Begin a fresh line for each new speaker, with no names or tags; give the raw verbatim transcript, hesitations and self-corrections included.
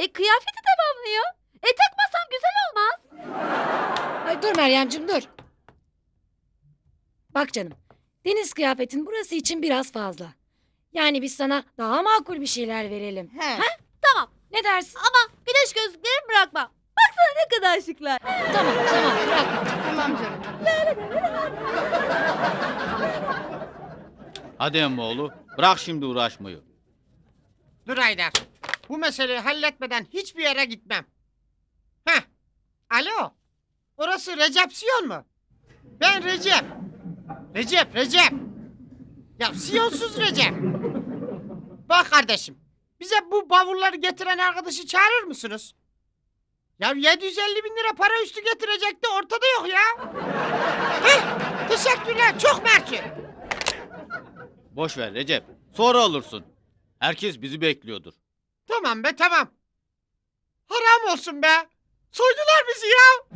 E kıyafeti tamamlıyor. E takmasam güzel olmaz.
Ay dur Meryemciğim dur. Bak canım. Deniz kıyafetin burası için biraz fazla. Yani biz sana daha makul bir şeyler verelim.
He. Tamam.
Ne dersin?
Ama güneş gözlüklerimi bırakma. Baksana ne kadar şıklar.
Tamam tamam bırakma.
Tamam canım.
Hadi emmoğlu, bırak şimdi uğraşmayı.
Dur Haydar. Bu meseleyi halletmeden hiçbir yere gitmem. Heh. Alo. Orası Recepsiyon mu? Ben Recep. Recep, Recep. Ya Siyonsuz Recep. Bak kardeşim. Bize bu bavulları getiren arkadaşı çağırır mısınız? Ya yedi yüz elli bin lira para üstü getirecekti, ortada yok ya. Heh, teşekkürler, çok mersi.
Boş ver Recep, sonra olursun. Herkes bizi bekliyordur.
Tamam be, tamam. Haram olsun be. Soydular bizi ya.